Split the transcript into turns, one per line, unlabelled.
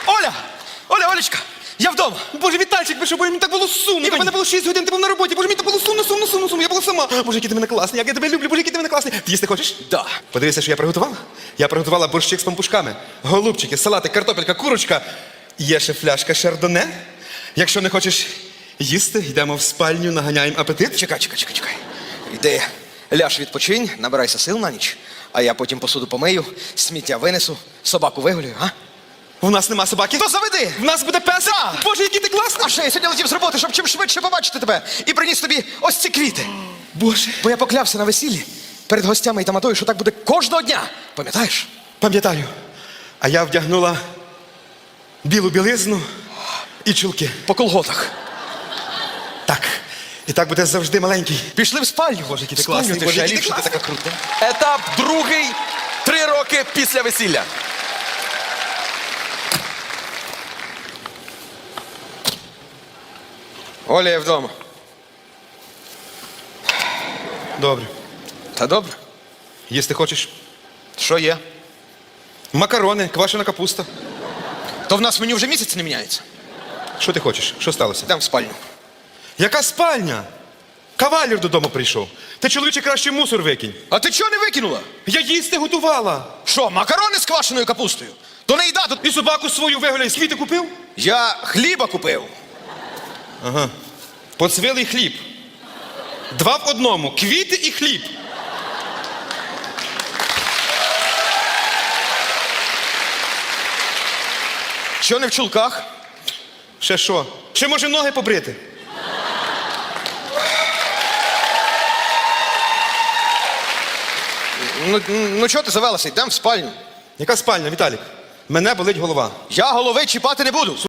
Оля! Оля, Олечка! Я вдома!
Боже, Вітальчик, ви що, мені так було сумно. У мене було 6 годин, ти був на роботі. Боже, мені так було сумно. Я була сама. Боже, який ти мене класний, як я тебе люблю, боже, який ти мене класний. Ти їсти хочеш?
Да.
Подивися, що я приготувала. Я приготувала борщик з пампушками, голубчики, салати, картопелька, курочка. Є ще фляжка шардоне. Якщо не хочеш їсти, йдемо в спальню, наганяємо апетит.
Чекай. Йди, ляж відпочинь, набирайся сил на ніч, а я потім посуду помию, сміття винесу, собаку вигулюю, а?
У нас нема собаки.
То заведи!
В нас буде песик.
Да.
Боже, який ти класний.
А ще я сьогодні летів з роботи, щоб чим швидше побачити тебе і приніс тобі ось ці квіти.
Боже.
Бо я поклявся на весіллі перед гостями і таматою, що так буде кожного дня. Пам'ятаєш?
Пам'ятаю. А я вдягнула білу білизну і чулки.
По колготах.
Так. І так буде завжди маленький.
Пішли в спальню.
Боже, який ти
Спальню
класний.
ти
Боже,
ще
який ти
ліпше, ти
класний.
така крута.
Етап другий. 3 роки після весілля.
Оля, я вдома.
Добре.
Та добре.
Їсти хочеш?
Що є?
Макарони, квашена капуста.
То в нас меню вже місяць не міняється.
Що ти хочеш? Що сталося?
Йдемо в спальню.
Яка спальня? Кавалір додому прийшов. Ти, чоловіче, краще мусор викинь.
А ти чого не викинула?
Я їсти готувала.
Що, макарони з квашеною капустою? То не їда, тут
І собаку свою вигуляй. Квіти купив?
я хліба купив.
Поцвілий хліб. 2 в 1. Квіти і хліб.
Що не в чулках?
Ще що? Ще може ноги побрити?
Ну чого ти завелася? Йдемо в спальню.
Яка спальня, Віталік? Мене болить голова.
Я голови чіпати не буду.